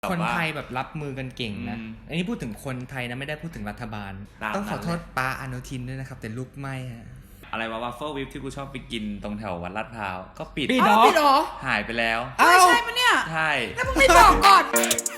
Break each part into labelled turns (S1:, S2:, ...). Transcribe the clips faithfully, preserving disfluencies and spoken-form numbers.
S1: คนไทยแบบรับมือกันเก่งนะอันนี้พูดถึงคนไทยนะไม่ได้พูดถึงรัฐบาลต้องขอโทษป้าอนุทินด้วยนะครับแต่ลุกไม่ฮะ
S2: อะไรวะวัฟเฟิลวิปที่กูชอบไปกินตรงแถววัดลาดพร้าวก็ปิด
S1: ปิดหรอ
S2: หายไปแล้ว
S3: ใช่ใช่ปะเนี่ย
S2: ใช่
S3: แล้วมึงไม่บอกก่อน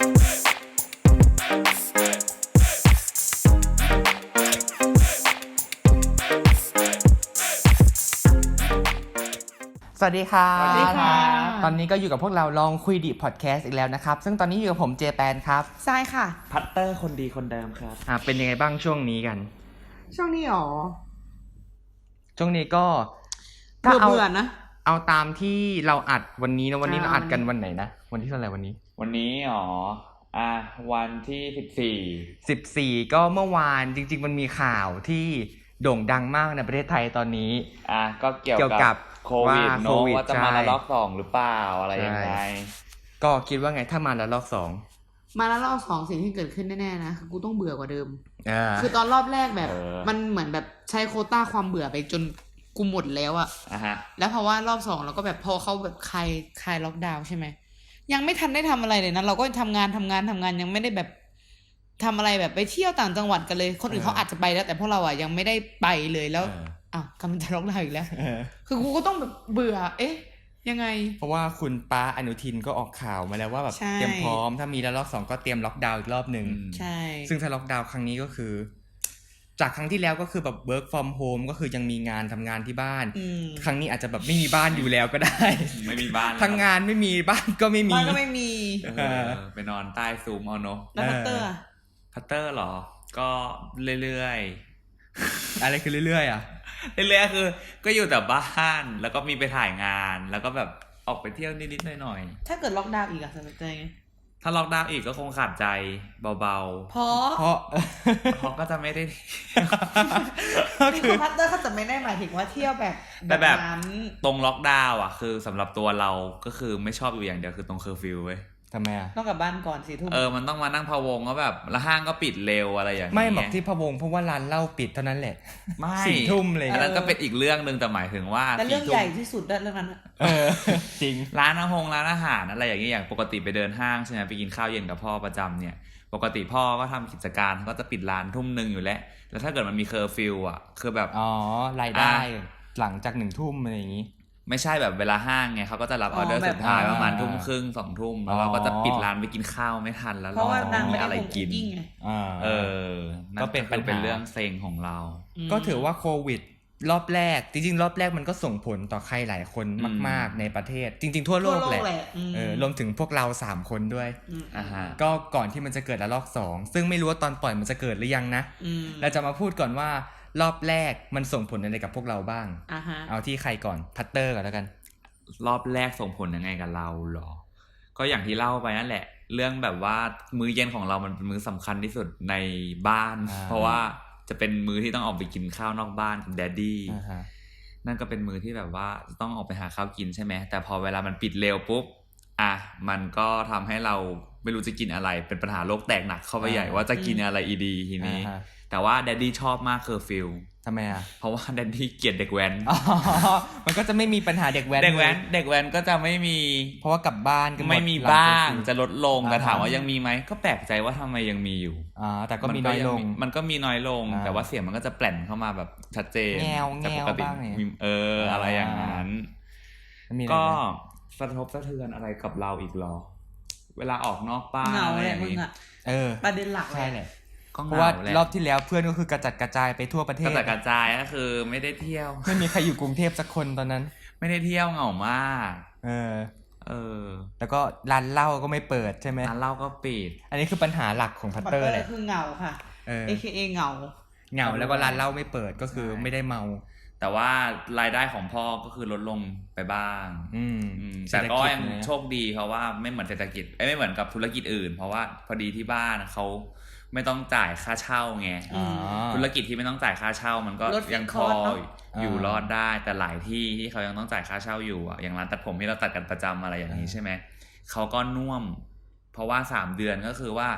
S1: สวัสดีค่ะส
S3: วัสดีค่ะ
S1: ตอนนี้ก็อยู่กับพวกเราลองคุยดิพอดแคสต์อีกแล้วนะครับซึ่งตอนนี้อยู่กับผมเจแปนครับ
S3: ใช่ค่ะ
S2: พัตเตอร์คนดีคนเดิมครับ
S1: อ่าเป็นยังไงบ้างช่วงนี้กัน
S3: ช่วงนี้หรอ
S1: ช่วงนี้ก็
S3: ถ้าเอาเบื่อนะ
S1: เอาตามที่เราอัดวันนี้นะวันนี้เราอัดกันวันไหนนะวันที่เท่าไหร่วันนี้
S2: วันนี้อ๋ออ่ะวันที่สิบสี่
S1: สิบสี่ก็เมื่อวานจริงๆมันมีข่าวที่โด่งดังมากในประเทศไทยตอนนี้
S2: อ่ะก็เกี่ยวกับโควิดเนอะว่าจะมาระลอกสองหรือเปล่าอะไรยังไง
S1: ก็คิดว่าไงถ้ามาระลอกสอง
S3: มาระลอกสองสิ่งที่เกิดขึ้นแน่ๆนะคือกูต้องเบื่อกว่าเดิมคือตอนรอบแรกแบบมันเหมือนแบบใช้โควต้าความเบื่อไปจนกูหมดแล้วอะแล้วเพราะว่ารอบสองเราก็แบบพอเขาแบบคลายคลายล็อกดาวน์ใช่ไหมยังไม่ทันได้ทำอะไรเลยนะเราก็ทำงานทำงานทำงานยังไม่ได้แบบทำอะไรแบบไปเที่ยวต่างจังหวัดกันเลยคนอื่นเขาอาจจะไปแล้วแต่พวกเราอะยังไม่ได้ไปเลยแล้วอ้าวกำลังจะล็อกดาวน์อีกแล้วคือกูก็ต้องแบบเบื่อเอ๊ะยังไง
S1: เพราะว่าคุณป้าอนุทินก็ออกข่าวมาแล้วว่าแบบเตรียมพร้อมถ้ามีระลอกสองก็เตรียมล็อกดาวน์อีกรอบนึง
S3: ใช่
S1: ซึ่งถ้าล็อกดาวน์ครั้งนี้ก็คือจากครั้งที่แล้วก็คือแบบ work from home ก็คือยังมีงานทำงานที่บ้านครั้งนี้อาจจะแบบไม่มีบ้านอยู่แล้วก็ได้
S2: ไม่มีบ้าน
S1: ทั้งงานไม่มีบ้านก็ไม่มี
S3: บ้านก็ไม่มี
S2: ไปนอนใต้ซูมเอาเนาะ
S3: แล้วพัตเตอร์
S2: พัตเตอร์หรอก็เรื่อย
S1: ๆอะไรคือเรื่อยๆอ่ะ
S2: เรื่อยๆคือก็อยู่แต่บ้านแล้วก็มีไปถ่ายงานแล้วก็แบบออกไปเที่ยวนิดๆหน่อย
S3: ๆถ้าเกิดล็อกดาวน์อีกอะจะเป็นยังไง
S2: ถ้าล็อกดาวน์อีกก็คงขาดใจเบา
S3: ๆเพราะ
S1: เพราะ
S2: เพราะก็จะไม่ได้
S3: นี่คือพัตเตอร์เขาจะไม่ได้หมายถึงว่าเที่ยวแบบ
S2: แต่แบบตรงล็อกดาวน์อ่ะคือสำหรับตัวเราก็คือไม่ชอบอยู่อย่างเดียวคือตรงเคอร์ฟิวเว้ย
S1: ทำไมอ่ะ
S3: ต้องกลับบ้านก่อนสี่ทุ่ม
S2: เออมันต้องมานั่งพะวงก็แบบแล้วห้างก็ปิดเร็วอะไรอย่างเงี้ย
S1: ไม่บอกที่พะวงเพราะว่าร้านเหล้าปิดเท่านั้นแหละ
S2: ไม่
S1: สี่ทุ่มเลย
S2: แล้วก็เป็นอีกเรื่องนึงแต่หมายถึงว่า
S3: แต่เรื่องใหญ่ที่สุดเรื่องนั้น
S1: เออจริง
S2: ร้านอาหงร้านอาหารอะไรอย่างเงี้ยอย่างปกติไปเดินห้างใช่ไหมไปกินข้าวเย็นกับพ่อประจำเนี่ยปกติพ่อก็ทำกิจการก็จะปิดร้านทุ่มนึงอยู่แล้วแล้วถ้าเกิดมันมีเคอร์ฟิวอ่ะคือแบบ
S1: อ๋อรายได้หลังจากหนึ่งทุ่มอะไรอย่างงี้
S2: ไม่ใช่แบบเวลาห้างไงเขาก็จะรับออเดอร์สุดท้ายประมาณทุ่มครึ่งสองทุ่มแล้วเราก็จะปิดร้านไปกินข้าวไม่ทันแล้วเราจะไม่มีอะไรกินเออก็เป็นเป็นเรื่องเซ็งของเรา
S1: ก็ถือว่าโควิดรอบแรกจริงๆรอบแรกมันก็ส่งผลต่อใครหลายคนมากๆในประเทศจริงๆทั่วโลกแหละเออรวมถึงพวกเราสามคนด้วย
S2: อ่าฮะ
S1: ก็ก่อนที่มันจะเกิดระลอกสองซึ่งไม่รู้ว่าตอนปล่อยมันจะเกิดหรือยังนะเราจะมาพูดก่อนว่ารอบแรกมันส่งผลอะไรกับพวกเราบ้างเอาที่ใครก่อนพัตเตอร์ก่อนแล้วกัน
S2: รอบแรกส่งผลยังไงกับเราหรอก็อย่างที่เล่าไปนั่นแหละเรื่องแบบว่ามื้อเย็นของเรามันเป็นมื้อสำคัญที่สุดในบ้านเพราะว่าจะเป็นมื้อที่ต้องออกไปกินข้าวนอกบ้านกับแดดดี้นั่นก็เป็นมื้อที่แบบว่าต้องออกไปหาข้าวกินใช่ไหมแต่พอเวลามันปิดเร็วปุ๊บอ่ะมันก็ทำให้เราไม่รู้จะกินอะไรเป็นปัญหาโลกแตกหนักเข้าไปใหญ่ว่าจะกินอะไรอีดีทีนี้แต่ว่าแดดดี้ชอบมากเคอร์ฟิว
S1: ทำไมอ่ะ
S2: เพราะว่าแดดดี้เกลียดเด็กแว้น
S1: มันก็จะไม่มีปัญหาเด็กแว้น
S2: เด็กแว้นเด็กแว้นก็จะไม่มี
S1: เพราะว่ากลับบ้านก็
S2: ไม่มีบ้างจะลดลงแต่ถามว่ายังมีไหมก็แปลกใจว่าทำไมยังมีอยู่
S1: อ่าแต่ก็มีน้อยลง
S2: มันก็มีน้อยลงแต่ว่าเสียงมันก็จะแปลนเข้ามาแบบชัดเจน
S1: แงวแงวบ้าง
S2: เอออะไรอย่างนั้นก็สะทบสะเทือนอะไรกับเราอีกหรอเวลาออกนอกบ้าน
S3: อะไรอย่างนี้
S1: เออ
S3: ประเด็นหลัก
S1: ใช่เลยเพราะว่ารอบที่แล้วเพื่อนก็คือกระจัดกระจายไปทั่วประเทศ
S2: กระจัดกระจายก็คือไม่ได้เที่ยว
S1: ไม่มีใครอยู่กรุงเทพสักคนตอนนั้น
S2: ไม่ได้เที่ยวเหงามาก
S1: เออ
S2: เออ
S1: แล้วก็ร้านเหล้าก็ไม่เปิดใช่ไหม
S2: ร้านเหล้าก็ปิด
S1: อันนี้คือปัญหาหลักของพัตเตอร์เลย
S3: คือเหงาค่ะ เอ เค เอ เหงา
S1: เหงาแล้วก็ร้านเหล้าไม่เปิดก็คือไม่ได้เมา
S2: แต่ว่ารายได้ของพ่อก็คือลดลงไปบ้าง
S1: อืม
S2: แต่ก็ยังโชคดีเพราะว่าไม่เหมือนเศรษฐกิจไม่เหมือนกับธุรกิจอื่นเพราะว่าพอดีที่บ้านเขาไม่ต้องจ่ายค่าเช่าไงธุรกิจที่ไม่ต้องจ่ายค่าเช่ามันก็ยังพออยู่รอดได้แต่หลายที่ที่เขายังต้องจ่ายค่าเช่าอยู่อ่ะอย่างร้านตัดผมที่เราตัดกันประจำอะไรอย่างนี้ใช่ไหมเขาก็น่วมเพราะว่าสามเดือนก็คือว่า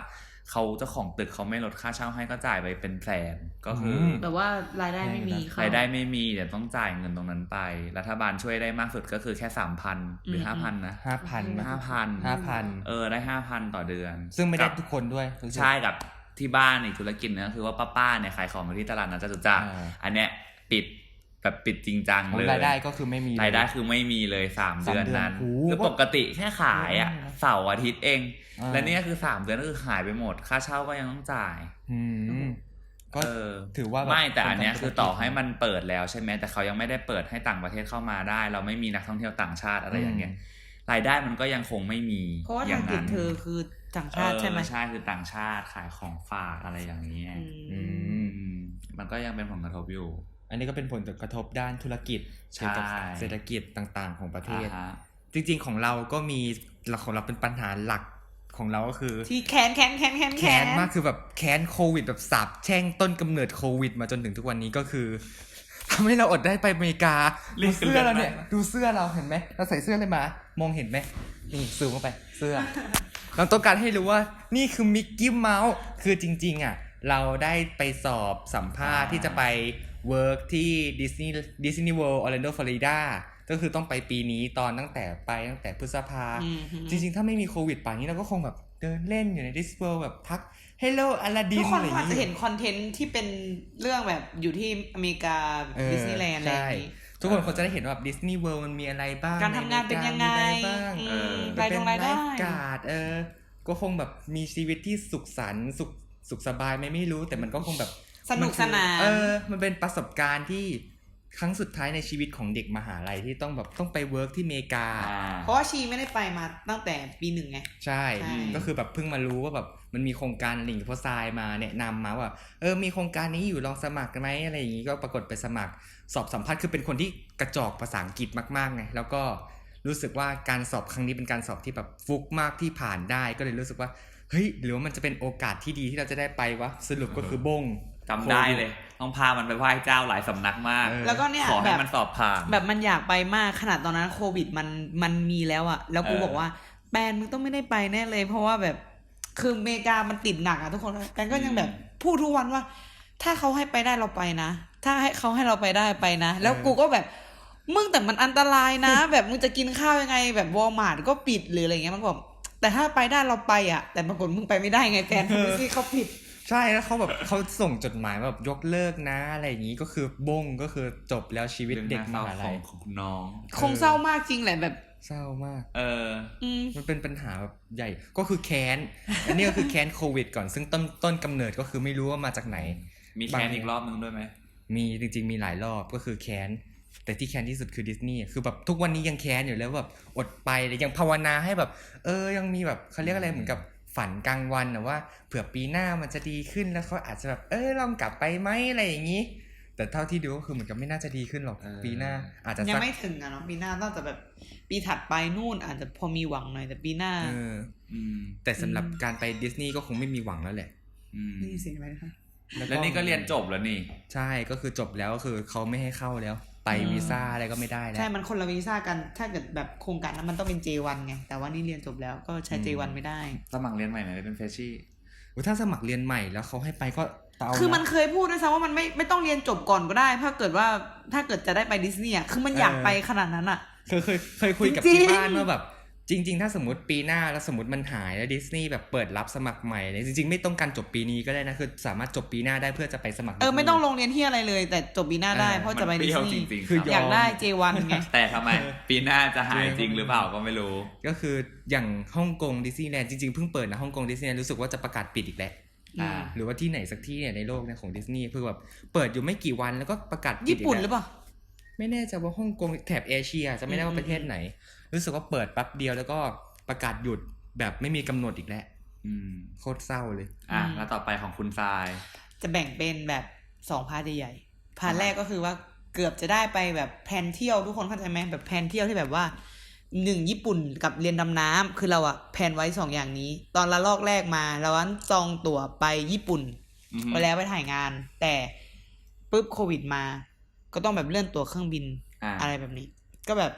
S2: เขาเจ้าของตึกเขาไม่ลดค่าเช่าให้ก็จ่ายไปเป็นแสนก็คือ
S3: แบบว่ารายได้ไม่มี
S2: รายได้ไม่มีเดี๋ยวต้องจ่ายเงินตรงนั้นไปรัฐบาลช่วยได้มากสุดก็คือแค่ สามพัน หรือ ห้าพัน นะ
S1: ห้าพัน
S2: ห้าพัน
S1: ห้าพัน
S2: เออได้ ห้าพัน ต่อเดือน
S1: ซึ่งไม่ได้ทุกคนด้วย
S2: ใช่กับที่บ้านอีกธุรกิจนึงก็คือว่าป้าๆเนี่ยขายของอยู่ที่ตลาดนัดจตุจักรอันเนี้ยปิดแบบปิดจริงจังเลย
S1: รายได้ก็คือไม่มี
S2: รายได้คือไม่มีเลยสามเดือนนั้นคือปกติแค่ขายอ่ะเสาร์อาทิตย์เองและนี่คือสามเดือนก็คือหายไปหมดค่าเช่าก็ยังต้องจ่าย
S1: ก็ถือว่า
S2: ไม่แต่อันเนี้ยคือต่อให้มันเปิดแล้วใช่ไหมแต่เขายังไม่ได้เปิดให้ต่างประเทศเข้ามาได้เราไม่มีนักท่องเที่ยวต่างชาติอะไรอย่างเงี้ยรายได้มันก็ยังคงไม่มี
S3: เพราะว่าทางติดเธอคือต่างชาติใช่ไหม
S2: ใช่คือต่างชาติขายของฝากอะไรอย่างเงี้ยมันก็ยังเป็นผลกระทบอยู่
S1: อันนี้ก็เป็นผลกระทบด้านธุรกิจเกี่ยวกับเศรษฐกิจต่างๆของประเทศจริงๆของเราก็มีหลักของเราเป็นปัญหาหลักของเราก็คือ
S3: ที่แค้นแค้นแค้นแค้น
S1: แค้นมากคือแบบแค้นโควิดแบบสาบแช่งต้นกำเนิดโควิดมาจนถึงทุกวันนี้ก็คือทำให้เราอดได้ไปอเมริกาดูเสื้อเราเนี่ยดูเสื้อเราเห็นไหมเราใส่เสื้ออะไรมามองเห็นไหมนี่ซูมเข้าไปเสื้อเราต้องการให้รู้ว่านี่คือมิกกี้เมาส์คือจริงๆอ่ะเราได้ไปสอบสัมภาษณ์ที่จะไปเวิร์กที่ดิสนีย์ดิสนีย์เวิลด์ออร์แลนโดฟลอริดาก็คือต้องไปปีนี้ตอนตั้งแต่ไปตั้งแต่พฤษภาจริงๆถ้าไม่มีโควิดป่านนี้เราก็คงแบบเดินเล่นอยู่ในดิสนีย์เวิลด์แบบทัก Hello อลาดิน
S3: อะไรอย่างเงี้ยทุกคนอาจจะเห็นคอนเทนต์ที่เป็นเรื่องแบบอยู่ที่อเมริกาดิสนีย์แลนด์อะไรอย่างงี้
S1: ทุกคนคงจะได้เห็นว่าแบบดิสนีย์เวิลด์มันมีอะไรบ้าง
S3: การทำงานเป็นยังไง
S1: รายได้รายได้การ์ดเออก็คงแบบมีชีวิตที่สุขสันต์สุขสุขสบายไม่ไม่รู้แต่มันก็คงแบบ
S3: สนุกสนาน
S1: เออมันเป็นประสบการณ์ที่ครั้งสุดท้ายในชีวิตของเด็กมหาลัยที่ต้องแบบต้องไปเวิร์กที่อเมริกา
S3: เพราะว่าชีไม่ได้ไปมาตั้งแต่ปีหนึ่งไง
S1: ใช่ก็คือแบบเพิ่งมารู้ว่าแบบมันมีโครงการลิงก์โพสายมาแนะนำมาว่าเออมีโครงการนี้อยู่ลองสมัครกันไหมอะไรอย่างงี้ก็ปรากฏไปสมัครสอบสัมภาษณ์คือเป็นคนที่กระจอกภาษาอังกฤษมากๆไงแล้วก็รู้สึกว่าการสอบครั้งนี้เป็นการสอบที่แบบฟุกมากที่ผ่านได้ก็เลยรู้สึกว่าเฮ้ยหรือว่ามันจะเป็นโอกาสที่ดีที่เราจะได้ไปวะสรุปก็คือบง
S2: จำได้เลยต้องพามันไปไหว้เจ้าหลายสำนักมาก
S3: แล้วก็เนี่ย
S2: ขอให้มันสอบผ่าน
S3: แบบมันอยากไปมากขนาดตอนนั้นโควิดมันมันมีแล้วอะแล้วกูบอกว่าแปนมึงต้องไม่ได้ไปแน่เลยเพราะว่าแบบคืออเมริกามันติดหนักอะทุกคนแปนก็ยังแบบพูดทุกวันว่าถ้าเขาให้ไปได้เราไปนะถ้าให้เขาให้เราไปได้ไปนะแล้วกูก็แบบมึงแต่มันอันตรายนะแบบมึงจะกินข้าวยังไงแบบวอลมาร์ทก็ปิดหรืออะไรเงี้ยมันบอกแต่ถ้าไปได้เราไปอะแต่ปรากฏมึงไปไม่ได้ไงแฟนคือที่เขาผิด
S1: ใช่แล้วเขาแบบเขาส่งจดหมายแบบยกเลิกนะอะไรอย่างนี้ก็คือบงก็คือจบแล้วชีวิตเด็กมหาลัย
S2: ของน้อง
S3: คงเศร้ามากจริงแหละแบบ
S1: เศร้ามาก
S2: เออ
S1: มันเป็นปัญหาแบบใหญ่ก็คือแค้นอันนี้ก็คือแค้นโควิดก่อนซึ่งต้นต้นกำเนิดก็คือไม่รู้ว่ามาจากไหน
S2: มีแค้นอีกรอบนึงด้วยไหม
S1: มีจริงๆมีหลายรอบก็คือแค้นแต่ที่แค้นที่สุดคือดิสนีย์คือแบบทุกวันนี้ยังแค้นอยู่แล้วแบบอดไปเลยยังภาวนาให้แบบเออยังมีแบบเขาเรียกอะไรเหมือนกับฝันกลางวันนะว่าเผื่อปีหน้ามันจะดีขึ้นแล้วเขาอาจจะแบบเออลองกลับไปไหมอะไรอย่างนี้แต่เท่าที่ดูก็คือเหมือนกับไม่น่าจะดีขึ้นหรอกปีหน้าอาจจะ
S3: ยังไม่ถึงอะเนาะปีหน้าต้องจะแบบปีถัดไปนู่นอาจจะพอมีหวังหน่อยแต่ปีหน้า
S1: เออแต่สำหรับการไปดิสนีย์ก็คงไม่มีหวังแล้วแหละ
S3: นี่สิไหมคะ
S2: แล้วนี่ก็เรียนจบแล้วนี่
S1: ใช่ก็คือจบแล้วก็คือเขาไม่ให้เข้าแล้วไปวีซ่าอะไรก็ไม่ได้แล้ว
S3: ใช่มันคนละวีซ่ากันถ้าเกิดแบบโครงการนั้นมันต้องเป็น เจ วัน ไงแต่ว่านี่เรียนจบแล้วก็ใช้ เจ วัน ไม่ได้
S2: สมัครเรียนใหม่ไหมเป็นเฟรชชี่
S1: ถ้าสมัครเรียนใหม่แล้วเขาให้ไปก็
S3: คือมันเคยพูดด้วยซ้ำว่ามันไม่ไม่ต้องเรียนจบก่อนก็ได้ถ้าเกิดว่าถ้าเกิดจะได้ไปดิสนีย์อ่ะคือมันอยากไปขนาดนั้นอ่ะ
S1: เคยเคยเคยคุยกับที่บ้านว่าแบบจริงๆถ้าสมมติปีหน้าแล้วสมมติมันหายแล้วดิสนีย์แบบเปิดรับสมัครใหม่เลยจริงๆไม่ต้องการจบปีนี้ก็ได้นะคือสามารถจบปีหน้าได้เพื่อจะไปสมัคร
S3: เออไม่ต้องลงเรียนที่อะไรเลยแต่จบปีหน้าได้เพราะจะไปดิสนีย์คืออยากได้ เจ วัน ไง
S2: แต่ทำไมปีหน้าจะหายจริงหรือเปล่าก็ไม่รู้
S1: ก็คืออย่างฮ่องกงดิสนีย์แลนด์จริงๆเพิ่งเปิดนะฮ่องกงดิสนีย์แลนด์รู้สึกว่าจะประกาศปิดอีกแล้วหรือว่าที่ไหนสักที่เนี่ยในโลกเนี่ยของดิสนีย์เพิ่งแบบเปิดอยู่ไม่กี่วันแล้วก็ประกาศปิด
S3: ญี่ปุ่นหรือเปล่า
S1: ไม่แน่ใจว่าฮ่องกงแถบเอเชียจะไม่ได้ว่าประเทศไหนรู้สึกว่าเปิดแป๊บเดียวแล้วก็ประกาศหยุดแบบไม่มีกำหนดอีกแล้วโคตรเศร้าเลย
S2: อ่ะแล้วต่อไปของคุณทราย
S3: จะแบ่งเป็นแบบสองพาร์ทใหญ่ๆพาร์ทแรกก็คือว่าเกือบจะได้ไปแบบแพลนเที่ยวทุกคนเข้าใจไหมแบบแพลนเที่ยวที่แบบว่าหนึ่งญี่ปุ่นกับเรียนดำน้ำคือเราอะแพลนไว้สองอย่างนี้ตอนละลอกแรกมาเราอันจองตั๋วไปญี่ปุ่นไปแล้วไปถ่ายงานแต่ปุ๊บโควิดมาก็ต้องแบบเลื่อนตั๋วเครื่องบิน อ, อะไรแบบนี้ก็แบบโห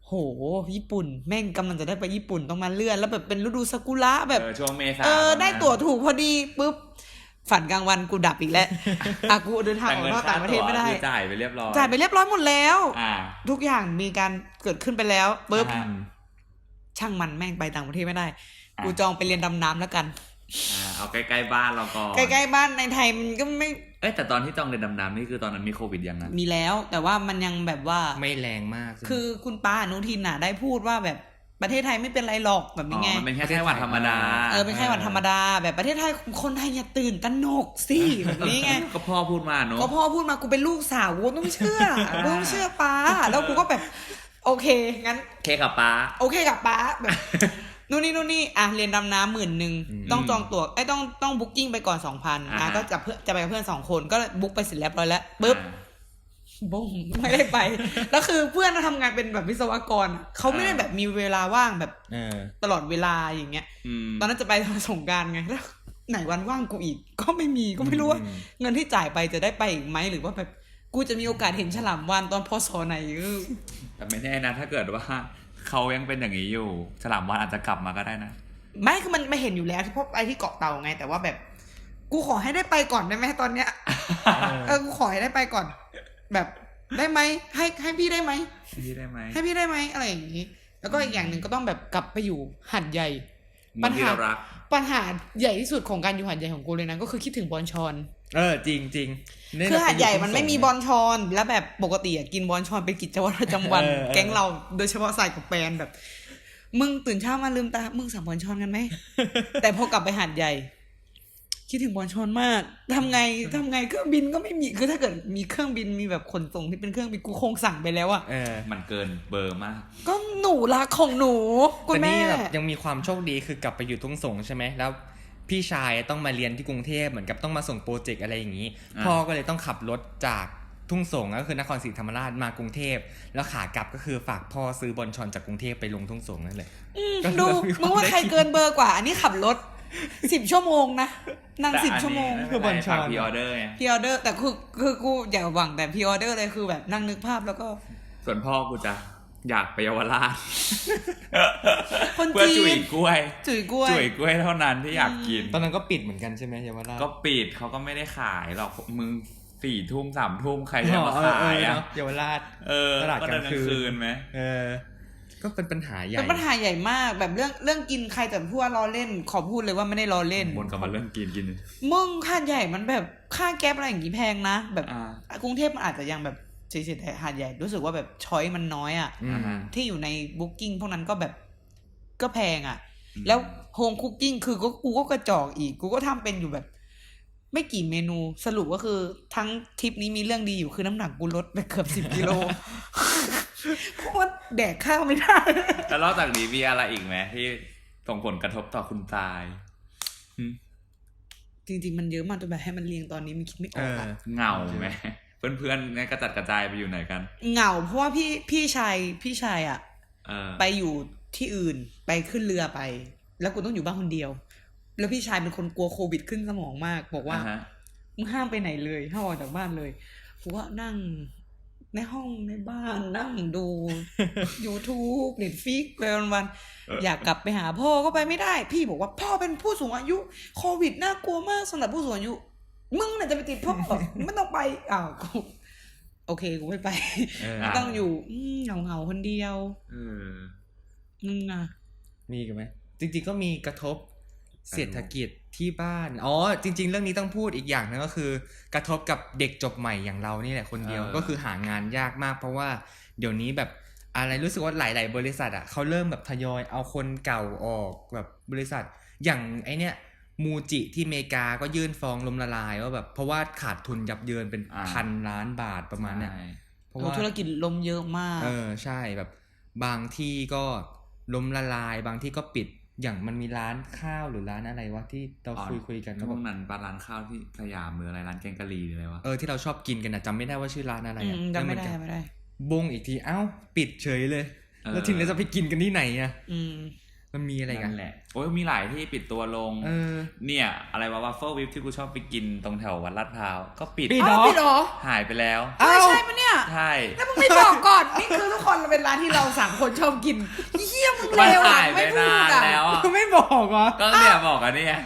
S3: โหญี่ปุ่นแม่งกำลังจะได้ไปญี่ปุ่นต้องมาเลื่อนแล้วแบบเป็นฤดูซากุระแบบ
S2: เออช่วงเมษา
S3: เออได้ตั๋วถูกพอดีปุ๊บฝันกลางวันกูดับอีกแล้วอ่ะกูเดินทางออกนอกต่างประเทศไม่ได้
S2: จ่ายไปเรียบร้อย
S3: จ่ายไปเรียบร้อยหมดแล้ว
S2: อ่า
S3: ทุกอย่างมีการเกิดขึ้นไปแล้วปุ๊บช่างมันแม่งไปต่างประเทศไม่ได้กูจองไปเรียนดำน้ำแล้วกัน
S2: อ่าเอาใกล้ๆบ้านเราก่อน
S3: ใกล้ๆบ้านในไทยมันก็ไม่
S2: เอ้แต่ตอนที่จองเรียนดำน้ำนี่คือตอนนั้นมีโควิดยังนะ
S3: มีแล้วแต่ว่ามันยังแบบว่า
S1: ไม่แรงมาก
S3: คือคุณป้าอนุทินน่ะได้พูดว่าแบบประเทศไทยไม่เป็นไรหรอกแบบนี้ไง
S2: มันเป็นแค่ไข้หวัดธรรมดา
S3: เออเป็นไข้หวัดธรรมดาแบบประเทศไทยคนไทยอย่าตื่นตระหนกสิแบบนี้ไง
S2: ก็พ่อพูดมาเนอะ
S3: ก็พ่อพูดมากูเป็นลูกสาวกูต้องเชื่อกูต้องเชื่อป้าแล้วกูก็แบบโอเคงั้น
S2: โอเคกับป้า
S3: โอเคกับป้าแบบนู่นนี่นู่นนี่อ่ะเรียนดำน้ำหมื่นหนึ่งต้องจองตั๋วไอ้ต้องต้องบุ๊กกิ้งไปก่อนสองพันอ่ะก็จะเพื่อจะไปกับเพื่อนสองคนก็บุ๊กไปเสร็จเรียบร้อยแล้วปึ๊บบุ้งไม่ได้ไปแล้วคือเพื่อนทำงานเป็นแบบวิศวกรเขาไม่ได้แบบมีเวลาว่างแบบตลอดเวลาอย่างเงี้ยตอนนั้นจะไปสงกรานต์ไงแล้วไหนวันว่างกูอีกก็ไม่มีก็ไม่รู้ว่าเงินที่จ่ายไปจะได้ไปอีกไหมหรือว่าแบบกูจะมีโอกาสเห็นฉลามวาฬตอนพศไหน
S2: แต่ไม่แน่นะถ้าเกิดว่าเขายังเป็นอย่างนี้อยู่ฉลามวาฬอาจจะกลับมาก็ได้นะ
S3: ไม่คือมันไม่เห็นอยู่แล้วที่พบไอ้ที่เกาะเต่าไงแต่ว่าแบบกูขอให้ได้ไปก่อนได้ไหมตอนเนี้ยเออกูขอให้ได้ไปก่อนแบบได้ไหมให้ให้พี่ได้ไหม
S2: พี่ได้ไหม
S3: ให้พี่ได้ไหมอะไรอย่างนี้แล้วก็อีกอย่างหนึ่งก็ต้องแบบกลับไปอยู่หาดใหญ่ปัญหาปัญหาใหญ่ที่สุดของการอยู่หาดใหญ่ของกูเลยนะก็คือคิดถึงบอนชอน
S1: เออจริงจริง
S3: คือหาดใหญ่มันไม่มีบอนชอนแล้วแบบปกติกินบอนชอนเป็นกิจวัตรประจำวันแก๊งเราโดยเฉพาะใส่กับแฟนแบบมึงตื่นเช้ามาลืมตามึงสั่งบอนชอนกันไหมแต่พอกลับไปหาดใหญ่คิดถึงบอนชอนมากทำไงทำไงเครื่องบินก็ไม่มีคือถ้าเกิดมีเครื่องบินมีแบบขนส่งที่เป็นเครื่องบินกูคงสั่งไปแล้วอ่ะ
S2: เออมันเกินเบอร์มาก
S3: ก็หนูรักของหนูคุณแม่
S1: แต่นี่แบบยังมีความโชคดีคือกลับไปอยู่ทุ่งสงใช่ไหมแล้วพี่ชายต้องมาเรียนที่กรุงเทพเหมือนกับต้องมาส่งโปรเจกต์อะไรอย่างนี้พ่อก็เลยต้องขับรถจากทุ่งสงก็คือนครศรีธรรมราชมากรุงเทพแล้วขากลับก็คือฝากพ่อซื้อบอนชอนจากกรุงเทพไปลงทุ่งสงนั่นเลย
S3: ดูมึงว่าใครเกินเบอร์กว่าอันนี้ขับรถสิบชั่วโมงนะนั่งสิบชั่วโมง
S2: คือบอนชอนพรีออเดอร์ไง
S3: พรีออเดอร์แต่คือคือกูอย่าหวังแต่พรีออเดอร์เลยคือแบบนั่งนึกภาพแล้วก็
S2: ส่วนพ่อกูจะอยากไปเยาวราช
S3: เพื่อ
S2: จุ๋ยกล้วย
S3: จุ๋ยกล้วย
S2: จุ๋ยกล้วยเท่านั้นที่อยากกิน
S1: ตอนนั้นก็ปิดเหมือนกันใช่ไหมเยาวราช
S2: ก็ปิดเขาก็ไม่ได้ขายหรอกมึงสี่ทุ่มสามทุ่มใครจะมาขายอ่ะ
S1: เยาวราช
S2: เออตลาดกลางคืนไหม
S1: เออก็เป็นปัญหาใหญ่
S3: เป็นปัญหาใหญ่มากแบบเรื่องเรื่องกินใครแต่พูดว่าล้อเล่นขอพูดเลยว่าไม่ได้ล้อเล่น
S2: บนกับมาเรื่องกินกิน
S3: มึงค่าใหญ่มันแบบค่าแก๊ปอะไรอย่างงี้แพงนะแบบกรุงเทพมันอาจจะยังแบบเฉยๆแต่หาดใหญ่รู้สึกว่าแบบช้อยมันน้อยอ่ะที่อยู่ในบุ๊กกิ้งพวกนั้นก็แบบก็แพงอ่ะแล้วโฮมคุกกิ้งคือก็กูก็กระจอกอีกกูก็ทำเป็นอยู่แบบไม่กี่เมนูสรุปก็คือทั้งทริปนี้มีเรื่องดีอยู่คือน้ำหนักกูลดไปเกือบสิบกิโลเพราะว่าแดกข้าวไม่ได้
S2: แล้วนอกจากนี้มีอะไรอีกไหมที่ส่งผลกระทบต่อคุณตาย
S3: จริงๆมันเยอะมากจนแบบให้มันเรียงตอนนี้มันคิดไม่ออกอะ
S2: เหงาไหมเพื่อนๆเนี่ยกระจัดกระจายไปอยู่ไหนกัน
S3: เหงาเพราะว่าพี่พี่ชายพี่ชายอ่ะไปอยู่ที่อื่นไปขึ้นเรือไปแล้วกูต้องอยู่บ้านคนเดียวแล้วพี่ชายเป็นคนกลัวโควิดขึ้นสมองมากบอกว่ามึงห้ามไปไหนเลยห้ามออกจากบ้านเลยกูว่านั่งในห้องในบ้านนั่งดู YouTube Netflix ไปวันๆอยากกลับไปหาพ่อก็ไปไม่ได้พี่บอกว่าพ่อเป็นผู้สูงอายุโควิดน่ากลัวมากสำหรับผู้สูงอายุมึงน่ะจะไปติดพ่อไม่ต้องไปอ้าวกูโอเคกูไม่ไปต้องอยู่เหงาๆคนเดียวมึงอ่ะ
S1: มีกันไหมจริงๆก็มีกระทบเศรษฐกิจที่บ้านอ๋อจริงๆเรื่องนี้ต้องพูดอีกอย่างนึงก็คือกระทบกับเด็กจบใหม่อย่างเรานี่แหละคนเดียวก็คือหางานยากมากเพราะว่าเดี๋ยวนี้แบบอะไรรู้สึกว่าหลายๆบริษัทอ่ะเขาเริ่มแบบทยอยเอาคนเก่าออกแบบบริษัทอย่างไอเนี้ยมูจิที่อเมริกาก็ยื่นฟ้องล้มละลายว่าแบบเพราะว่าขาดทุนยับเยินเป็นพันล้านบาทประมาณเนี้ย
S3: เพราะว่าธุรกิจล้มเยอะมาก
S1: เออใช่แบบบางที่ก็ล้มละลายบางที่ก็ปิดอย่างมันมีร้านข้าวหรือร้านอะไรวะที่เราคุยคุยกัน
S2: ก็พวกนั้นร้านข้าวที่สยามหรืออะไรร้านแกงกะหรี่หรืออะไรวะ
S1: เออที่เราชอบกินกันนะจำไม่ได้ว่าชื่อร้านอะไรอ่ะ
S3: จำไม่ได้ไม่ได้
S1: บงอีกทีเอ้าปิดเฉยเลยแล้วทีนี้จะไปกินกันที่ไหนอ่ะมันมีอะไรกัน
S2: นั่นแหละโอ้ยมีหลายที่ปิดตัวลงเออเนี่ยอะไรวะวัฟเฟิลวิปที่กูชอบไปกินตรงแถววัดลาดพร้าวก็ปิด
S3: ปิดเหรอปิดเหรอ
S2: หายไปแล้ว
S3: อ้าวใช่ปะเนี่ย
S2: ใช่
S3: แล้วมึงไม่บอกก่อนนี่คือทุกคนเป็นร้านที่เราสามคนชอบกินเหี้ยมึงเลวอ่ะไม่พูดอ่ะ
S1: ไม่บอกเหรอ
S2: ก็เนี่ยบอกกันเนี่ย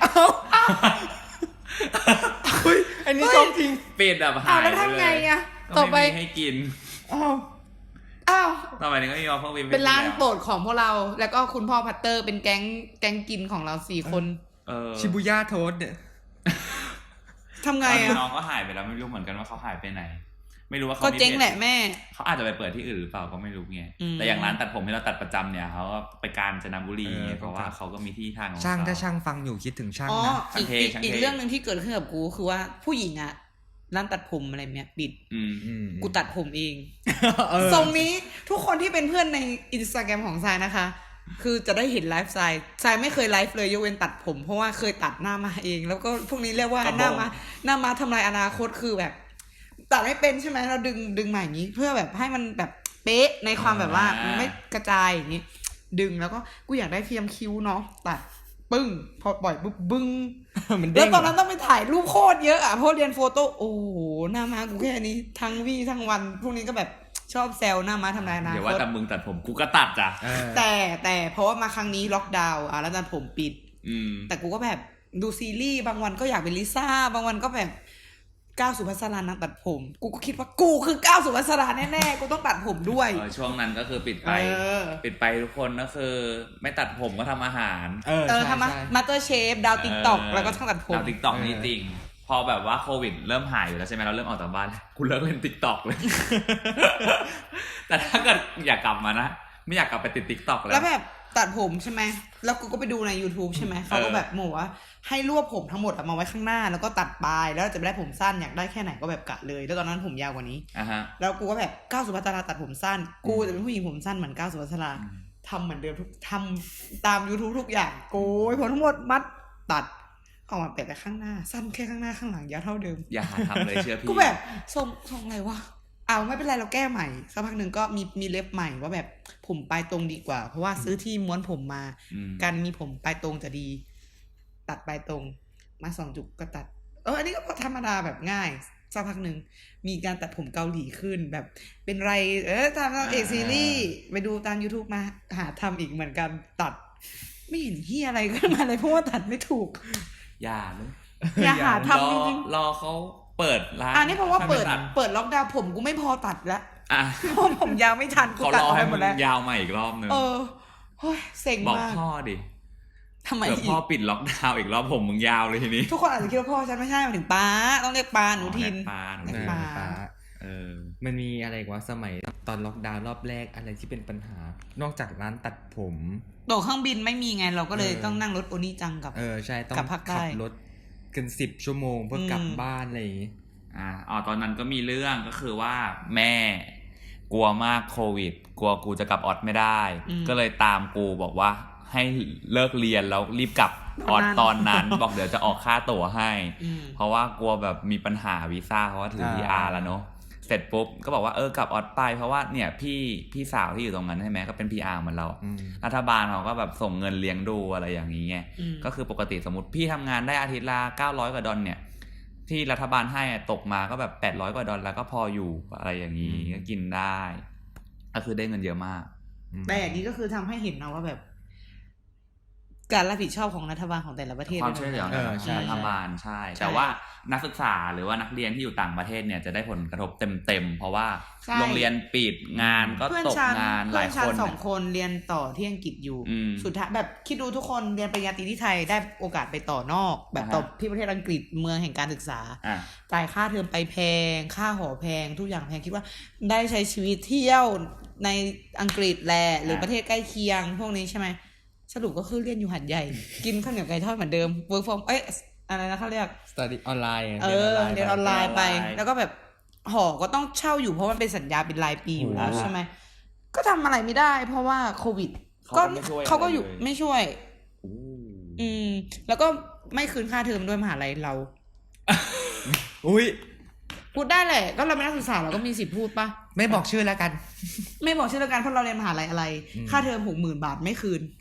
S1: อุ้ยอันนี้ชอบจริง
S2: ปิดแบบหายไปเลยแล้ว
S3: ทำไงอ่ะต่อไป
S2: ให้กิน
S3: อ้าวอ้าว
S2: ต่อไปนี้ก็มีวัฟเฟิลวิป
S3: เป็นร้านโปรดของพวกเราแล้วก็คุณพ่อพัตเตอร์เป็นแก๊งแก๊งกินของเราสี่คน
S1: ชิบูย่าโทสเนี่ย
S3: ทำไงอ่ะ
S2: น้องก็หายไปแล้วไม่รู้เหมือนกันว่าเขาหายไปไหนไม่รู้ว่าเขา
S3: ก็เจ๊งแหละแม่
S2: เขาอาจจะไปเปิดที่อื่นหรือเปล่าก็ไม่รู้ไงแต่อย่างร้านตัดผมที่เราตัดประจำเนี่ยเขาก็ไปกาญจนบุรีเพราะว่าเขาก็มีที่ทางของเขา
S1: ช่างถ้าช่างฟังอยู่คิดถึงช่าง
S3: นะอีกอีกเรื่องนึงที่เกิดขึ้นกับกูคือว่าผู้หญิงอ่ะร้านตัดผมอะไรเนี้ยปิดกูตัดผมเองทรงนี้ทุกคนที่เป็นเพื่อนใน Instagram ของทรายนะคะคือจะได้เห็นไลฟ์ทรายทรายไม่เคยไลฟ์เลยยกเว้นตัดผมเพราะว่าเคยตัดหน้ามาเองแล้วก็พวกนี้เรียกว่าหน้ามาหน้ามาทำลายอนาคตคือแบบตัดไม่เป็นใช่ไหมเราดึงดึงมาอย่างนี้เพื่อแบบให้มันแบบเป๊ะในความแบบว่ามันไม่กระจายอย่างนี้ดึงแล้วก็กูอยากได้เทียมคิ้วเนาะตัดปึ้งพอปล่อยปุ๊บบึ้งแล้วตอนนั้นต้องไปถ่ายรูปโคตรเยอะอ่ะเพราะเรียนโฟโต้โอ้โหหน้ามากูแค่นี้ทั้งวี่ทั้งวันพวกนี้ก็แบบชอบแซวหน้ามาทำลายอนาคต
S2: เดี๋ยวว่าแต่มึงตัดผมกูก็ตัดจ้ะ
S3: แต่แต่เพราะว่ามาครั้งนี้ล็อกดาวน์อ่ะแล้วตัดผมปิดแต่กูก็แบบดูซีรีส์บางวันก็อยากเป็นลิซ่าบางวันก็แบบก้าวสุภัสสรานักตัดผมกูก็คิดว่ากูคือก้าวสุภัสสราแน่ๆกูต้องตัดผมด้วย
S2: ช่วงนั้นก็คือปิดไปปิดไปทุกคนก็คือไม่ตัดผมก็ทำอาหาร
S3: เออทำมาสเตอร์เชฟดาวติ๊กต็อกแล้วก็ทั้งตัดผม
S2: ดาวติ๊กต็อกนี่จริงพอแบบว่าโควิดเริ่มหายอยู่แล้วใช่ไหมเราเริ่มออกจากบ้านกูเลิกเล่นติ๊กต็อกเลยแต่ถ้าเกิดอยากกลับมานะไม่อยากกลับไปติดติ๊กต็อกแล้ว
S3: แล้วแบบตัดผมใช่ไหมแล้วกูก็ไปดูใน YouTube ใช่ไหมเขาก็แบบบอกว่าให้รวบผมทั้งหมดมาไว้ข้างหน้าแล้วก็ตัดปลายแล้วจะไม่ได้ผมสั้นอยากได้แค่ไหนก็แบบกะเลยแล้วตอนนั้นผมยาวกว่านี้แล้วกูก็แบบก้าวสุภัสสราตัดผมสั้นกูจะเป็นผู้หญิงผมสั้นเหมือนก้าวสุภัสสราทำเหมือนเดิมทุกทำตาม YouTube ทุกอย่างโกยผมทั้งหมดมัดตัดออกมาแปะแต่ข้างหน้าสั้นแค่ข้างหน้าข้างหลังยาวเท่าเดิม
S2: อย่าหาทำเลยเชื่อพี่
S3: กูแบบทรงทรงอะไรวะเอาไม่เป็นไรเราแก้ใหม่สักพักหนึ่งก็มีมีเล็บใหม่ว่าแบบผมปลายตรงดีกว่าเพราะว่าซื้อที่ม้วนผมมาการมีผมปลายตรงจะดีตัดปลายตรงมาสองจุกก็ตัดเอออันนี้ก็ธรรมดาแบบง่ายสักพักหนึ่งมีการตัดผมเกาหลีขึ้นแบบเป็นไรเออตามเอกซีรีส์ไปดูตาม YouTube มาหาทำอีกเหมือนกันตัดไม่เห็นเฮียอะไรขึ้นมาเลยเพราะว่าตัดไม่ถูก
S2: อย่าเลย
S3: อย่าหาทำจริง
S2: ๆรอเขาเปิดร้าน
S3: อันนี้เพราะว่าเปิดเปิดล็อกดาวน์ผมกูไม่พอตัดแล้วเพราะผมยาวไม่ทัน
S2: กูตัดไปหมดแล้วยาวมาอีกรอบนึง
S3: เออเฮ้ยเซ็งมาก
S2: บอกพ่อดิ
S3: ทำไม
S2: พ่อปิดล็อกดาวน์อีกรอบผมมึงยาวเลยทีนี้
S3: ทุกคนอาจจะคิดว่าพ่อฉันไม่ใช่หมายถึงป้าต้องเรียกป้าหนูทิน
S2: ป้าหนู
S1: ป้าเออมันมีอะไรวะสมัยตอนล็อกดาวน์รอบแรกอะไรที่เป็นปัญหานอกจากร้านตัดผม
S3: ตั๋วเครื่องบินไม่มีไงเราก็เลยต้องนั่งรถโอนิจังกับ
S1: เออใช่ต้องขับรถกันสิบชั่วโมงเพื่อกลับบ้านอะไรอย่างงี้
S2: อ่าอ๋อตอนนั้นก็มีเรื่องก็คือว่าแม่กลัวมากโควิดกลัวกูจะกลับออสไม่ได้ก็เลยตามกูบอกว่าให้เลิกเรียนแล้วรีบกลับออสตอนนั้นบอกเดี๋ยวจะออกค่าตั๋วให้เพราะว่ากลัวแบบมีปัญหาวีซ่าเพราะว่าถือ พี อาร์ แล้วเนาะเสร็จปุ๊บก็บอกว่าเออกลับออสไปเพราะว่าเนี่ยพี่พี่สาวที่อยู่ตรงนั้นใช่ไหมก็เป็น พี อาร์ เหมือนเรารัฐบาลเขาก็แบบส่งเงินเลี้ยงดูอะไรอย่างนี้ไงก็คือปกติสมมติพี่ทำงานได้อาทิตย์ละเก้าร้อยกว่าดอลเนี่ยที่รัฐบาลให้ตกมาก็แบบแปดร้อยกว่าดอลแล้วก็พออยู่อะไรอย่างนี้ก็กินได้ก็คือได้เงินเยอะมาก
S3: แต่อย่างนี้ก็คือทำให้เห็นนะว่าแบบการรับผิดชอบของรัฐบาลของแต่ละประเทศ
S2: ความช่วยเหลือของรัฐบาลใช่แต่ว่านักศึกษาหรือว่านักเรียนที่อยู่ต่างประเทศเนี่ยจะได้ผลกระทบเต็มๆเพราะว่าโรงเรียนปิดงานก็ตกงานหลายคน
S3: เพื่อนฉันสองคนเรียนต่อที่อังกฤษอยู่สุดท้ายแบบคิดดูทุกคนเรียนปริญญาตรีที่ไทยได้โอกาสไปต่อนอกแบบต่อที่ประเทศอังกฤษเมืองแห่งการศึกษาจ่ายค่าเทอมไปแพงค่าหอแพงทุกอย่างแพงคิดว่าได้ใช้ชีวิตเที่ยวในอังกฤษแหละหรือประเทศใกล้เคียงพวกนี้ใช่ไหมสรุปก็คือเรียนอยู่หัดใหญ่กินข้าวเหนียวไก่ทอดเหมือนเดิม work from เอ้ยอะไรนะเขาเรียก
S1: study ออนไลน์
S3: เออเรียนออนไลน์ไปแล้วก็แบบหอก็ต้องเช่าอยู่เพราะมันเป็นสัญญาเป็นรายปีอยู่แล้วใช่ไหมก็ทำอะไรไม่ได้เพราะว่าโควิดก็เขาก็อยู่ไม่ช่วยอืมแล้วก็ไม่คืนค่าเทอมด้วยมหาลัยเรา
S1: อุ้ย
S3: พูดได้แหละก็เราเป็นนักศึกษาเราก็มีสิทธิ์พูดปะ
S1: ไม่บอกชื่อแล้วกัน
S3: ไม่บอกชื่อแล้วกันเพราะเราเรียนมหาลัยอะไรค่าเทอมหกหมื่นบาทไม่คืน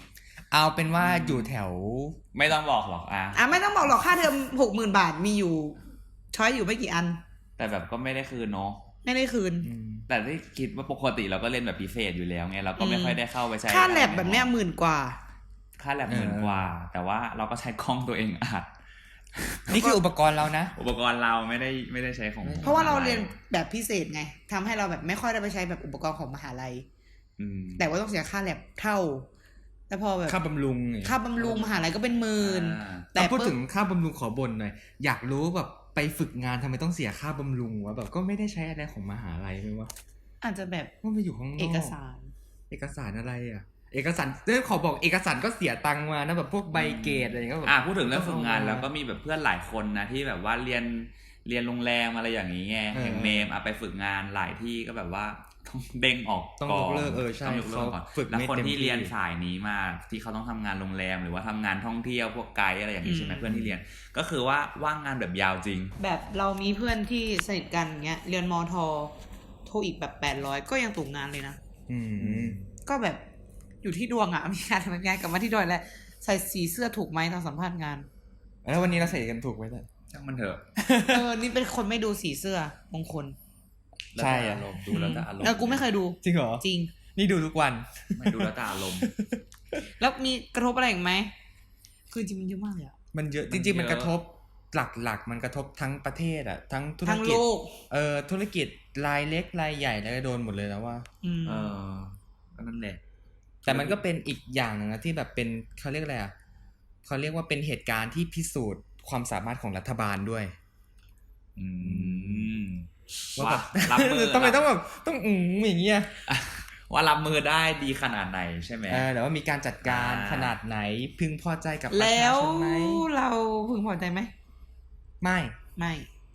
S1: เอาเป็นว่าอยู่แถว
S2: ไม่ต้องบอกหรอกอ่ะ
S3: อ่ะไม่ต้องบอกหรอกค่าเทอมหกหมื่นบาทมีอยู่ช้อยอยู่ไม่กี่อัน
S2: แต่แบบก็ไม่ได้คืนเนาะ
S3: ไม่ได้คืน
S2: แต่ที่คิดว่าปกติเราก็เล่นแบบพิเศษอยู่แล้วไงเราก็ไม่ค่อยได้เข้าไปใช้
S3: ค่าแลบแบบเนี้ยหมื่นกว่า
S2: ค่าแลบหมื่นกว่าแต่ว่าเราก็ใช้กล้องตัวเองอัด
S1: นี่คืออุปกรณ์เรานะ
S2: อุปกรณ์เราไม่ได้ไม่ได้ใช้ของ
S3: เพราะว่าเราเรียนแบบพิเศษไงทำให้เราแบบไม่ค่อยได้ไปใช้แบบอุปกรณ์ของมหาลัยแต่ว่าต้องเสียค่าแลบเท่าแต่พอแบบ
S1: ค่าบำรุง
S3: ค่าบำรุงมหาลัยก็เป็นหมื่น
S1: แต่พูดถึงค่าบำรุงขอบ่นหน่อยอยากรู้แบบไปฝึกงานทำไมต้องเสียค่าบำรุงวะแบบก็ไม่ได้ใช้อะไรของมหาลัยไหมวะ
S3: อาจจะแบบ
S1: ว่าไปอยู่ข้างนอก
S3: เอกสาร
S1: เอกสารอะไรอ่ะเอกสารเรื่องขอบอกเอกสารก็เสียตังค์มานะแบบพวกใบเกรดอะไรก็แบบ
S2: อ่ะพูดถึงเรื่องฝึกงานแล้วก็มีแบบเพื่อนหลายคนนะที่แบบว่าเรียนเรียนโรงแรมอะไรอย่างนี้ไงอย่างเนมอ่ะไปฝึกงานหลายที่ก็แบบว่าต้องเด้งออก
S1: ต้องยกเลิกเออใช่
S2: ต้องยกเลิกก่อนแล้วคนที่เรียนสายนี้มาที่เขาต้องทำงานโรงแรมหรือว่าทำงานท่องเที่ยวพวกไกด์อะไรอย่างนี้ใช่ไหมเพื่อนที่เรียนก็คือว่าว่างงานแบบยาวจริง
S3: แบบเรามีเพื่อนที่สนิทกันเงี้ยเรียนมทโทอีกแบบแปดร้อยก็ยังตกงานเลยนะ
S1: อืม
S3: ก็แบบอยู่ที่ดวงอ่ะมีการทำงานกลับมาที่ดอยแล้วใส่สีเสื้อถูกไหมตอนสัมภาษณ์งาน
S1: แล้ววันนี้เราใส่กันถูกไหมเนี่ย
S2: ช่างมันเถอะ
S3: เออนี่เป็นคนไม่ดูสีเสื้อมงคล
S1: ใช่
S2: อารมณ์ดูแล้วแต่อารมณ์
S3: แล้วกูไม่เคยดู
S1: จริงเหรอ
S3: จริง
S1: นี่ดูทุกวัน
S2: ไม่ดูแล้วแต่อารมณ์
S3: แล้วมีกระทบอะไรอีกไหมคือจริงมันเยอะมากเลยอ่ะ
S1: มันเยอะจริงๆมันกระทบหลักๆมันกระทบทั้งประเทศอ่ะทั้งธุรกิจเออธุรกิจรายเล็กรายใหญ่แล้วก็โดนหมดเลยแล้วว่า
S2: เออก็นั่นแหละ
S1: แต่มันก็เป็นอีกอย่างนึงนะที่แบบเป็นเขาเรียกอะไรอ่ะเขาเรียกว่าเป็นเหตุการณ์ที่พิสูจน์ความสามารถของรัฐบาลด้วย
S2: อืม
S1: ว่าแบบรับมือทำไมต้องแบบต้องอืมอย่างเงี้ย
S2: ว่ารับมือได้ดีขนาดไหนใช่ไหม
S1: เออแต่ว่ามีการจัดการขนาดไหนพึงพอใจกับประชาชนไหม
S3: แล้วเราพึงพอใจไหม
S1: ไม่
S3: ไม่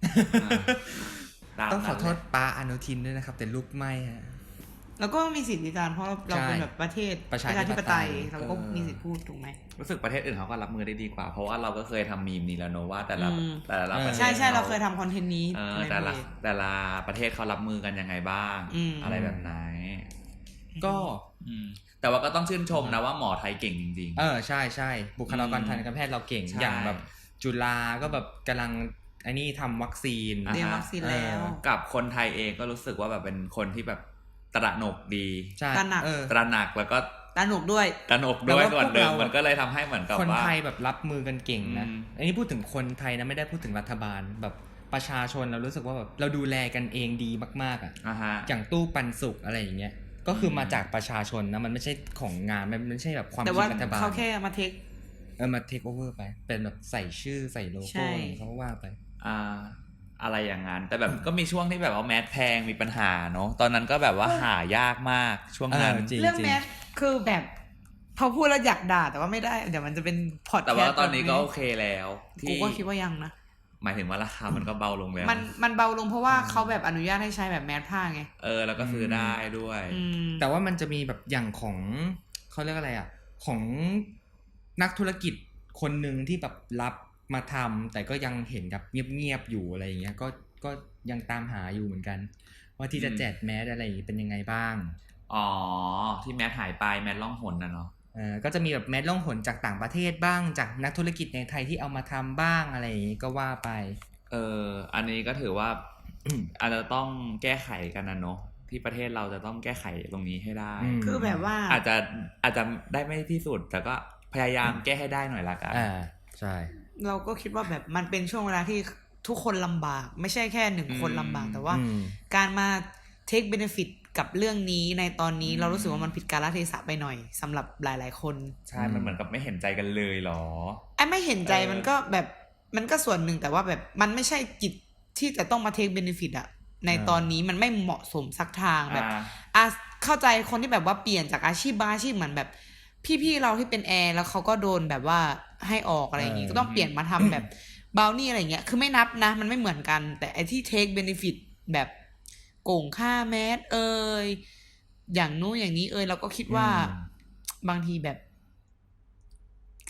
S1: ต้องขอโทษป้าอนุทินด้วยนะครับแต่ลูกไม่ฮะ
S3: แล้วก็มีสิทธิการเพราะเราเป็นแบบประเทศประชาธิปไตยเราก็มีสิทธิพูดถูกไหม
S2: รู้สึกประเทศอื่นเขาก็รับมือได้ดีกว่าเพราะว่าเราก็เคยทำมีมนี้แล้วเนอะว่าแต่ละแต่ละประเทศ
S3: ใช่ใช่เราเคยทำคอนเทนต์นี้
S2: แต่ละแต่ละประเทศเขารับมือกันยังไงบ้างอะไรแบบไหน
S1: ก็
S2: แต่ว่าก็ต้องชื่นชมนะว่าหมอไทยเก่งจริง
S1: ๆเออใช่ใช่บุคลากรทางการแพทย์เราเก่งอย่างแบบจุฬาก็แบบกำลังอันนี้ทำวัคซีน
S3: เตรียมวัคซีนแล้ว
S2: กับคนไทยเองก็รู้สึกว่าแบบเป็นคนที่แบบตระหนกดี
S3: ตระหนัก
S2: ตระหนักแล้วก็
S3: ตระหนกด้วย
S2: ตระหนกด้วยส่วนหนึ่งมันก็เลยทำให้เหมือนกับว่า
S1: คนไทยแบบรับมือกันเก่งนะอันนี้พูดถึงคนไทยนะไม่ได้พูดถึงรัฐบาลแบบประชาชนเรารู้สึกว่าแบบเราดูแลกันเองดีมากๆอ่ะอย่างตู้ปันสุกอะไรอย่างเงี้ยก็คือมาจากประชาชนนะมันไม่ใช่ของงานมันไม่ใช่แบบความคิดรัฐบาล
S3: เขาแค่มาเทค
S1: เออมาเทคโอเวอร์ไปเป็นแบบใส่ชื่อใส่โลโก้เขาว่าไป
S2: อ่าอะไรอย่างนั้นแต่แบบก็มีช่วงที่แบบว่าแมสแพงมีปัญหาเนาะตอนนั้นก็แบบว่าหายากมากช่วงนั้น
S3: เรื่องแมสคือแบบพอพูดแล้วอยากด่าแต่ว่าไม่ได้เดี๋ยวมันจะเป็นพอดแคสต์
S2: แต่ว่าตอนนี้ก็โอเคแล้ว
S3: กูก็คิดว่ายังนะ
S2: หมายถึงว่าราคามันก็เบาลงแล้ว
S3: มันมันเบาลงเพราะว่าเขาแบบอนุญาตให้ใช้แบบแมสผ้าไง
S2: เออแล้วก็ซื้อได้ด้วย
S1: แต่ว่ามันจะมีแบบอย่างของเขาเรียกอะไรอ่ะของนักธุรกิจคนหนึ่งที่แบบรับมาทำแต่ก็ยังเห็นกับเงียบๆอยู่อะไรอย่างเงี้ยก็ก็ยังตามหาอยู่เหมือนกันว่าที่จะแจกแมสอะไรเป็นยังไงบ้าง
S2: อ๋อที่แมสหายไปแมสล่องหนนะเนาะ
S1: เออก็จะมีแบบแมสล่องหนจากต่างประเทศบ้างจากนักธุรกิจในไทยที่เอามาทำบ้างอะไรอย่างงี้ก็ว่าไป
S2: เอออันนี้ก็ถือว่า อาจจะต้องแก้ไขกันนะเนาะที่ประเทศเราจะต้องแก้ไขตรงนี้ให้ได้
S3: คือแบบว่า
S2: อาจจะอาจจะได้ไม่ที่สุดแต่ก็พยายามแก้ให้ได้หน่อยละกัน
S1: อ่าใช่
S3: เราก็คิดว่าแบบมันเป็นช่วงเวลาที่ทุกคนลำบากไม่ใช่แค่หนึ่งคนลำบากแต่ว่าการมา take benefit กับเรื่องนี้ในตอนนี้เรารู้สึกว่ามันผิดกาลเทศะไปหน่อยสำหรับหลายๆคน
S2: ใช่มันเหมือนกับไม่เห็นใจกันเลยหรอ
S3: ไอ้ไม่เห็นใจมันก็แบบมันก็ส่วนหนึ่งแต่ว่าแบบมันไม่ใช่กิจที่จะต้องมา take benefit อะในตอนนี้มันไม่เหมาะสมสักทางแบบอ่ะเข้าใจคนที่แบบว่าเปลี่ยนจากอาชีพบางอาชีพเหมือนแบบพี่ๆเราที่เป็นแอร์แล้วเขาก็โดนแบบว่าให้ออกอะไรอย่างงี้ก็ต้องเปลี่ยนมาทำแบบบาวนี่อะไรเงี้ยคือไม่นับนะมันไม่เหมือนกันแต่ไอ้ที่ take benefit แบบโกงค่าแมสเอ่ยอย่างนู้นอย่างนี้เอ่ยเราก็คิดว่าบางทีแบบ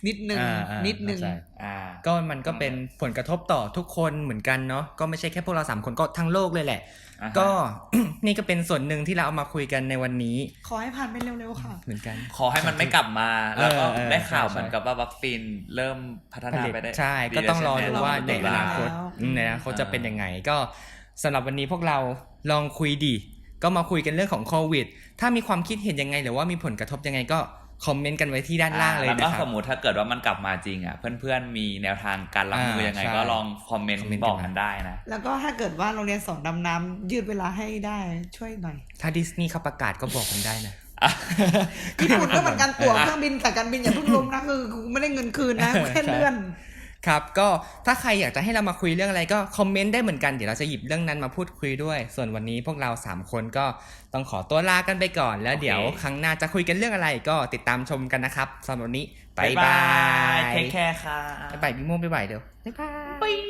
S3: นิดนึงนิดนึง
S1: ก็มันก็เป็นผลกระทบต่อทุกคนเหมือนกันเนาะก็ไม่ใช่แค่พวกเราสามคนก็ทั้งโลกเลยแหละก็ นี่ก็เป็นส่วนหนึ่งที่เราเอามาคุยกันในวันนี้
S3: ขอให้ผ่านไปเร็วๆค่ะ
S1: เหมือนกัน
S2: ขอให้มันไม่กลับมาแล้วก็ได้ข่าวเหมือนกับว่าวัคซีนเริ่มพัฒนาไปได้
S1: ใช่ก็ต้องรอดูว่าในอนาคตในอนาคตจะเป็นยังไงก็สำหรับวันนี้พวกเราลองคุยดีก็มาคุยกันเรื่องของโควิดถ้ามีความคิดเห็นยังไงหรือว่ามีผลกระทบยังไงก็คอมเมนต์กันไว้ที่ด้านล่างเลยนะครับแล้ว
S2: ก็สมมุติถ้าเกิดว่ามันกลับมาจริงอ่ะเพื่อนๆมีแนวทางการรับมือยังไงก็ลองคอมเมนต์บอกกันได้นะ
S3: แล้วก็ถ้าเกิดว่าโรงเรียนสอนดำน้ำยืดเวลาให้ได้ช่วยหน่อย
S1: ถ้าดิสนีย์เขาประกาศก็บอกกันได้นะ
S3: ญี่ปุ่นก็เหมือนกันตั๋วเครื่องบินกับการบินอย่าเพิ่งล้มนะคือไม่ได้เงินคืนนะแค่เลื่อน
S1: ครับก็ถ้าใครอยากจะให้เรามาคุยเรื่องอะไรก็คอมเมนต์ได้เหมือนกันเดี๋ยวเราจะหยิบเรื่องนั้นมาพูดคุยด้วยส่วนวันนี้พวกเราสามคนก็ต้องขอตัวลากันไปก่อนแล้วเดี๋ยวครั้งหน้าจะคุยกันเรื่องอะไรก็ติดตามชมกันนะครับสำหรับวันนี้บ๊ายบาย
S2: เทคแคร์ค่ะ
S1: บ๊ายบายพี่ม่วงบ๊ายบายเดี๋ยวบ๊ายบาย